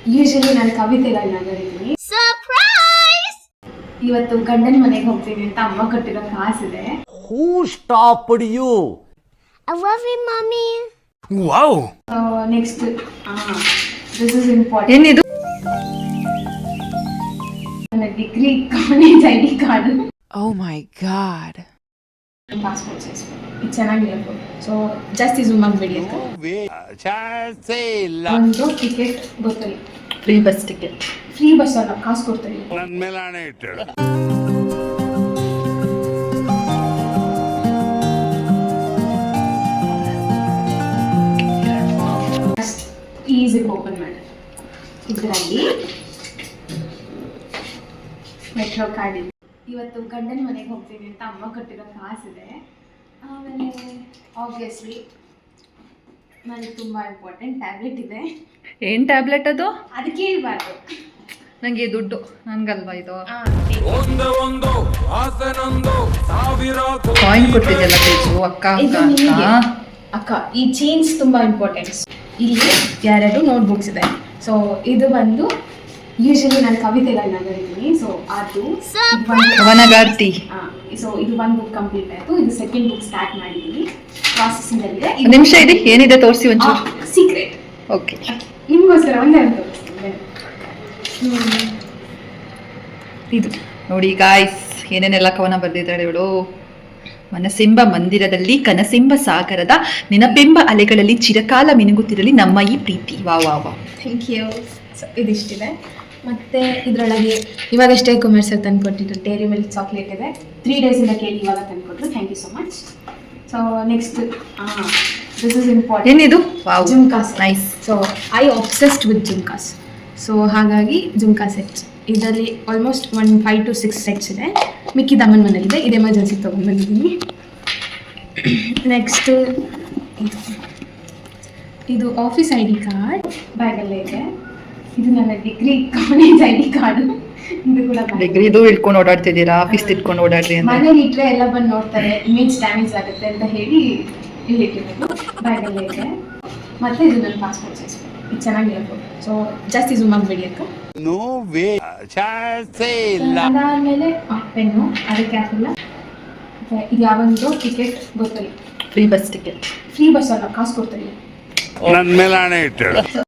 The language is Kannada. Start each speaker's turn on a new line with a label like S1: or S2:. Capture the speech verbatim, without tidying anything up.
S1: ಯೂಶಲಿ ನಾನು ಕವಿತೆಗಳನ್ನ ಬರೀತೀನಿ. ಸರ್ಪ್ರೈಸ್! ಇವತ್ತು ಗಂಡನ ಮನೆಗೆ ಹೋಗ್ತೀನಿ ಅಂತ ಅಮ್ಮ ಕೊಟ್ಟಿರೋ ಕಾಸಿದೆ.
S2: Who stopped you?
S3: I love you, mommy.
S2: Wow.
S1: Next this is important.
S4: ಏನಿದು?
S1: ನನ್ನ degree college I D card.
S4: Oh my god.
S1: Passport size ಇದು ಚೆನ್ನಾಗಿರಬೇಕು. ಸೊ ಜಾಸ್ತಿ ಝೂಮ್ ಆಗಬೇಡಿ ಅಂತ. ಒಂದು ಟಿಕೆಟ್ ಗೊತ್ತಿಲ್ಲ.
S4: Free bus ticket.
S1: Free bus ಅಲ್ಲ, ಕಾಸು ಕೊಡ್ತಾರೆ.
S2: ನನ್ನ ಮೇಲೆ ಆಣೆ ಇಟ್ಟು.
S1: ಈಸಿಗೆ ಓಪನ್ ಮಾಡಿ. ಇದರಲ್ಲಿ ಮೆಟ್ರೋ ಕಾರ್ಡ್ ಇದೆ. ಇವತ್ತು ಗಂಡನ ಮನೆಗೆ ಹೋಗ್ತೀನಿ ಅಂತ ಅಮ್ಮ ಕೊಟ್ಟಿರೋ ಕಾಸಿದೆ. ಆಮೇಲೆ ಆಬ್ವಿಯಸ್ಲಿ ನನಗೆ ತುಂಬ ಇಂಪಾರ್ಟೆಂಟ್ ಟ್ಯಾಬ್ಲೆಟ್ ಇದೆ.
S4: ಏನ್ ಟ್ಯಾಬ್ಲೆಟ್ ಅದು?
S1: ಅದಕ್ಕೆ ಹೇಳ್ಬಾರ್ದು.
S4: ನಂಗೆ ದುಡ್ಡು ನನ್ಗಲ್ವಾ ಇದು? ಕಾಯಿನ್ ಕೊಟ್ಟಿದ್ದೆಲ್ಲ ತೇಜು ಅಕ್ಕ
S1: ಇದು
S4: ಅಕ್ಕ
S1: ನಿಮಗೆ
S4: ಅಕ್ಕ.
S1: ಅಕ್ಕ ಈ ಚೇಂಜ್ ತುಂಬ ಇಂಪಾರ್ಟೆಂಟ್. ಇಲ್ಲಿ ಎರಡು ನೋಟ್ ಬುಕ್ಸ್ ಇದೆ. ಸೊ ಇದು ಬಂದು ಯೂಶಲಿ ನಾನು ಕವಿತೆಗಳನ್ನ ಬರೀತೀನಿ. ಸೊ ಅದು
S4: ಅವನಗಾರ್ತಿ.
S1: ಸೊ ಇದು ಒಂದು ಬುಕ್ ಕಂಪ್ಲೀಟ್ ಆಯಿತು. ಇದು ಸೆಕೆಂಡ್ ಬುಕ್ ಸ್ಟಾರ್ಟ್ ಮಾಡಿದ್ದೀನಿ, ಪ್ರಾಸೆಸಿಂಗಲ್ಲಿದೆ.
S4: ಒಂದ್ ನಿಮಿಷ ಇದೆ, ಏನಿದೆ ತೋರಿಸಿ ಒಂಚೂರು.
S1: ಸೀಕ್ರೆಟ್.
S4: ಓಕೆ,
S1: ನಿಮಗೋಸ್ಕರ ಒಂದೇ ಅಂತ ತೋರಿಸ್ತೀನಿ.
S4: ಇದು ನೋಡಿ ಗಾಯ್ಸ್, ಏನೇನೆಲ್ಲ ಕವನ ಬರೆದಿದ್ದಾಳೆ ಇವಳು. ಮನಸ್ಸೆಂಬ ಮಂದಿರದಲ್ಲಿ ಕನಸೆಂಬ ಸಾಗರದ ನೆನಪೆಂಬ ಅಲೆಗಳಲ್ಲಿ ಚಿರಕಾಲ ಮಿನುಗುತ್ತಿರಲಿ ನಮ್ಮ ಈ ಪ್ರೀತಿ. ವಾ ವಾ ವಾ.
S1: Thank you. ಸೊ ಇದಿಷ್ಟಿದೆ. ಮತ್ತು ಇದರೊಳಗೆ ಇವಾಗಷ್ಟೇ ಕುಮಾರ್ ಸರ್ ತಂದು ಕೊಟ್ಟಿದ್ರು ಡೇರಿ ಮಿಲ್ಕ್ ಚಾಕ್ಲೇಟ್ ಇದೆ. ತ್ರೀ ಡೇಸಿಂದ ಕೇಳಿ ಇವಾಗ ತಂದು ಕೊಟ್ಟರು. Thank you so much. So next this is important.
S4: ಏನಿದು? Wow,
S1: jhumkas.
S4: Nice.
S1: So I obsessed with jhumkas. So ಹಾಗಾಗಿ ಜುಮ್ಕಾ ಸೆಟ್ಸ್ ಇದರಲ್ಲಿ almost one five two six sets ಇದೆ. ಮಿಕ್ಕಿದ ಅಮ್ಮನ ಮನೇಲಿದೆ. ಇದು ಎಮರ್ಜೆನ್ಸಿಗೆ ತೊಗೊಂಡ್ಬಂದಿದ್ದೀನಿ. ನೆಕ್ಸ್ಟ್ ಇದು ಇದು ಆಫೀಸ್ ಐ ಡಿ ಕಾರ್ಡ್ ಬ್ಯಾಗಲ್ಲೇ ಇದೆ. ಇದು ನನ್ನ degree college I D card. ಇದು ಕೂಡ
S4: ಡಿಗ್ರಿದು ಇಟ್ಕೊಂಡು ಓಡಾಡ್ತಿದ್ದೀರಾ? ಆಫೀಸ್ ಇಟ್ಕೊಂಡು ಓಡಾಡ್ರಿ ಅಂತ.
S1: ಮನೇಲಿ ಇಟ್ಟರೆ ಎಲ್ಲ ಬಂದು ನೋಡ್ತಾರೆ, ಇಮೇಜ್ ಡ್ಯಾಮೇಜ್ ಆಗುತ್ತೆ ಅಂತ ಹೇಳಿ ಇಲ್ಲಿ ಇಟ್ಟಿರೋದು. ಬ್ಯಾಗಲ್ಲೇ ಇದೆ. ಮತ್ತು ಇದು ನನ್ನ ಪಾಸ್ಪೋರ್ಟ್ ಸೈಜ್. ಇದು ಚೆನ್ನಾಗಿರಬೇಕು. ಸೊ ಜಾಸ್ತಿ ಝೂಮ್ ಆಗಬೇಡಿ ಅಕ್ಕ.
S2: No way. ಚಾನ್ಸೇ ಇಲ್ಲ.
S1: ಅದಾದಮೇಲೆ ಪೆನ್ನು, ಅದಕ್ಕೆ ಹಾಕಿಲ್ಲ. ಇದು ಯಾವೊಂದು ಟಿಕೆಟ್ ಗೊತ್ತಿಲ್ಲ.
S4: Free bus ticket.
S1: Free bus ಅಲ್ಲ, ಕಾಸು ಕೊಡ್ತಾರೆ.
S2: ನನ್ನ ಮೇಲೆ ಆಣೆ ಇಟ್ಟು.